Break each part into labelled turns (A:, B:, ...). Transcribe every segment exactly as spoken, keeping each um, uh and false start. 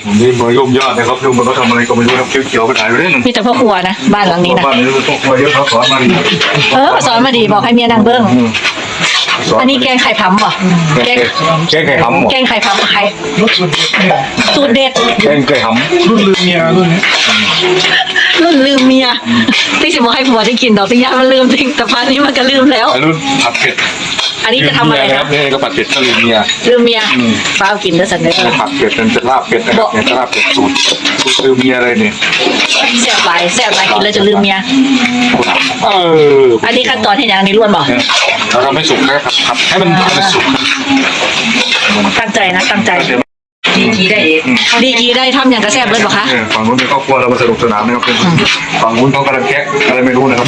A: นี่มายุ่งยอดนะครับยุ่งมันก็ทำอะไรก็ไม่รู้นะเขียวๆไปไหนไปเรื่อย
B: มีแต่พ่อครัวนะบ้านหลังนี้นะ
A: บ้านนี้ต้องครัวเยอะเขาสอนมาดี
B: เออสอนมาดีบอกให้เมียนางเบิ้งอันนี้แกงไข่พัมป่ะแกง
A: แกงไก่หำ
B: แกงไข่พัมไข่สูตรเด็ด
A: แกงไก่หำรุ่นลืมเมียรุ่นนี้
B: รุ่นลืมเมียที่สิบอกให้ผัวที่กินดอกที่ยามันลืมจริงแต่พันนี้มันก็ลืมแล้ว
A: รุ่นผัดเผ็ด
B: อันนี้จะทำอะไรครับ
A: นี่ก็ผัดเผ็ดก็ลืมเมีย
B: ลืมเมียฟ้ากินแล้วสันเด้อ
A: ผัดเผ็ดเป็นลาบเป็ดนะครับเป็นลาบเป็ดสูตรสูตรลืมเมียอะไรเนี่ย
B: แซ่บหลายแซ่บหลายกินแล้วจะลืมเมีย
A: เออ
B: อันนี้ขั้นตอนที่ยังนี่ล้วนบอก
A: เราทำให้สุกนะครับผัดให้มันให้มันสุก
B: ตั้งใจนะตั้งใจ
C: ดีกีได้เอง
B: ดีกีได้ทำอย่างกระแซบเลยบอกคะ
A: ฝั่งนู้นเป็นครอบครัวเรามาสนุกสนานนะครับฝั่งนู้นเขากำลังแก๊กอะไรไม่รู้นะครับ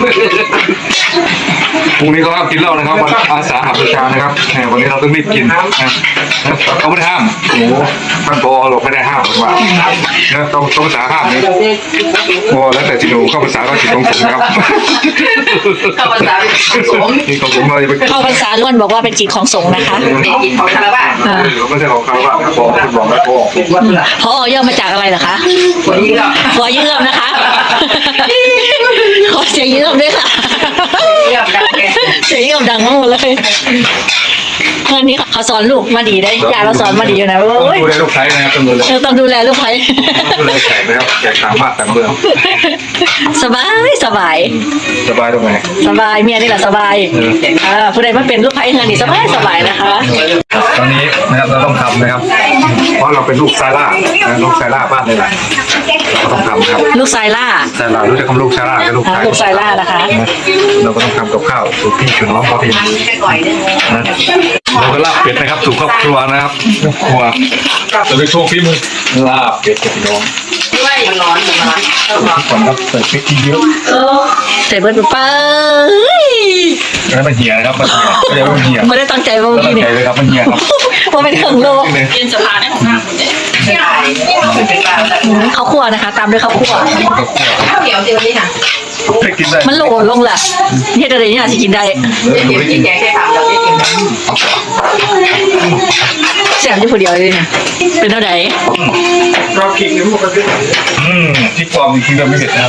A: พรุ่งนี้เขาห้ามกินเหล้านะครับวันอาสาหบูชานะครับวันนี้เราต้องรีบกินเขาไม่ได้ห้ามโอ้ท่านพอเราไม่ได้ห้ามว่าต้องต้องภาษาห้ามนี่พอแล้วแต่จิตหนูเข้าภาษาก็จิตของผมครับ
C: เข้าภาษาสงฆ์
A: นี่ของผมเราจะไป
B: เข้าภาษาล้วนบอกว่าเป็นจิตของสงฆ์นะคะ
C: เด็กกินของคารวะ
A: เขาไม่ใช่ของเขาว่าพอคุณบอกแล้วพอ
C: ว่าเพื่อ
B: พอย่อมาจากอะไรเหรอคะ
C: คนนี้ก็
B: ขอเยื่อมนะคะขอเสียงเยื่อมด้วยค่ะ
C: เรื่องดังแก
B: เสียงเยื่อมดังมากเลยอันนี้เขาสอนลูกมาดีได้ยายเราสอนมาดีอยู่นะ
A: ต้อง
B: โอ้ย
A: ดูแลลูกชายนะครับต้องดูแล
B: เออต้องดูแลลูกไผ่
A: ดูแลแขกนะครับแขกต่างบ้านต่างเมือง
B: สบายสบาย
A: สบายตรงไหน
B: สบายเมียนี่แหละสบายอ่าผู้ใดมาเป็นลูกไผ่เงินนี่สบายสบายนะคะ
A: ตอนนี้นะครับเราต้องทำนะครับ เพราะเราเป็นลูกซาร่าลูกซาร่าบ้านเลยแหละเราต้องทำครับ
B: ลูกชายล่า
A: ซาร่ารู้จักคำลูกซาร่ากับลูก
B: อ่า
A: ชาย
B: ลูกชายล่านะคะ
A: เราก็ต้องทำกับข้าวสูตรพี่ชูน้องพอพิม
C: แค่ก่อยนึง
A: นะเราก็ลาบเป็ดนะครับสู่ครอบครัวนะครับครอบครัวจะไปโชว์ฝีมือลาบเป็ดกับพี่น้อง
C: ด้วยมันร้อนมันร้อนต้องร้อน
A: ก่อนครับใส่พริกขี้เยอะ
B: เสร็จเบิร์ดไป
A: แล้วมันเหี่ยนะครับมันเหี่ยก็เรียกว่ามันเหี่ย
B: ไม่ได้ตั้งใจว่า
A: แล้ว
B: เมื่อ
A: ตั้
B: กี้
A: ง
B: นี่
A: ใจเลยครับมันเหี่ยครับ
B: ว่าเป็นเครื่องโล
C: กินสะพานได้ของน้ำไม่ได้เป็นบ้า
B: ข้าวคั่วนะคะ ตามด้วยข้าวคั่ว
C: ข้าวเหนียวเดียวนี่ค่ะ
A: ให้กินได้
B: มันโหลลงแหละเฮ็ดอะไรเนี่ยสิกินได้
C: เด็กกินแกงแค่ทำเราได้กิน
B: แซ่บอยู่ผู้เดียวเลยเนี่ยเป็นเท่าไหร่
A: เราคิดในพวกกันอืมที่ปลอมจริงๆเราไม่เห็นนะครับ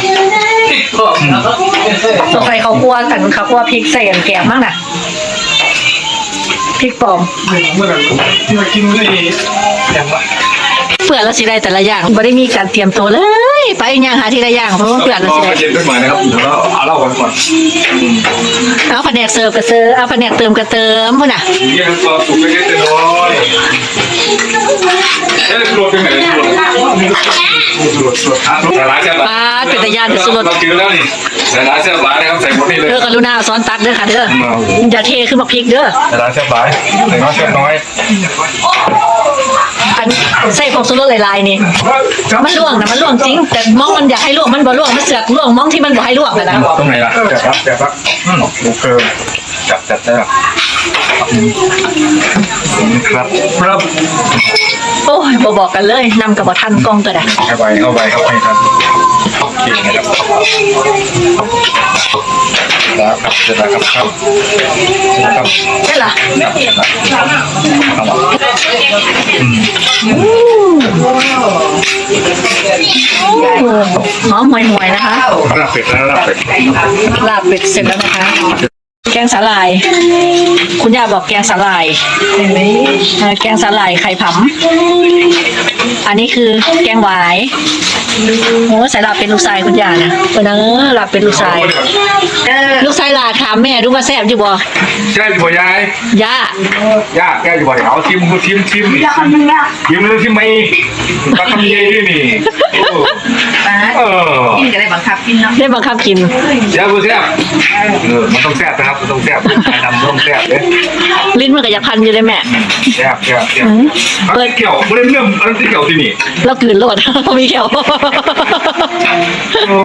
B: ตัวใครข้าวคั่วกันข้าวคั่วพริกใส่กันแกงมากน่ะพริกปลอม
A: เมื่อไหร่ที่มากินได้อย่างไร
B: เปื่อนแล้วสิได้แต่ละอย่างไม่ได้มีการเตรียมตัวเลย ไปย่างหาทีละอย่างเพราะว่าเปื่อนแล้วสิได้
A: เย็นขึ้นมานะครับเดี๋ยวเราเอาเหล้ากันก่อน
B: เอาแผนกเสิร์ฟก็เสิร์ฟเอาแผนกเติมก็เติมพุ่นน่ะ
A: เยี่ยมตัวสุกเล็กๆน้อยเอ๊ะรวมเป็นไหนรวมรวมรวมแต่ร้านเสียบ
B: ปลาเป็นตะยานเป็นสุรส
A: เรากินแล้วนี่แต่ร้านเสียบร้านนะครับใส่หมดนี่เลย
B: เด้อกรุณาซ้อนตักเด้อค่ะเด้ออย่าเทขึ้นมาพริกเด้อ
A: แต่ร้านเสียบร้านแต่น้อยเสียบน้อย
B: อันใส่ผงชูรสหลายๆนี่มันล่วงนะมันล่วงจริง แต่มองมันอยากให้ล่วงมันบ่ล่วงมันเสือกล่วงมองที่มันบ่ให้ล่วงนะนะ
A: ตรงไหนล่ะจับครับจับครับโอเคจับจับได้ครับครับครับ
B: โอ้ยบ่บอกกันเลยนำกับบ่ทันกล้องตัวใด
A: เข้าไปเข้าไปครับให้ทันเก่งนะครับแล้วครับเสร็จแล้วครับครับเสร็จแล้วครับ
B: ใช่ล่ะ หอมห่วยๆนะคะ
A: ลาบเป็ดแล้วลาบเป็ด
B: ลาบเป็ดเสร็จแล้วนะคะ แกงสาหร่าย คุณย่าบอกแกงสาหร่ายเห็นไหมเออแกงสาหร่ายไข่ผำอันนี้คือแกงหวายโอ้ใส่ลาบเป็นลูกชายคุณย่านะเออเนอะลาบเป็นลูกชายเออลูกชายลาถามแม่ดูว่าแซ่บอยู่บ่
A: ใช่ป่ะยาย
B: ย่า
A: ย่าแกอยู่บ่อยเอาทิมทิมทิมทิมทิมเลยทิมไม่ตักทำเย่ด้วยนี่เออ
C: กินก็ได้บังคับกินเนาะ
B: ได้บังคับกิน
A: แซ่บแซ่บเออมันต้องแซ่บนะครับมันต้องแซ่บใครทำต้องแซ่บเลย
B: ลิ้นมันก็อยากพันอยู่เลยแม่
A: แซ่บแซ่บแซ่บเปิดเกี่ยวไม่ได้เรื่องอะไรที่เกี่ยวที่นี่
B: เรากลืนโลด มีแขว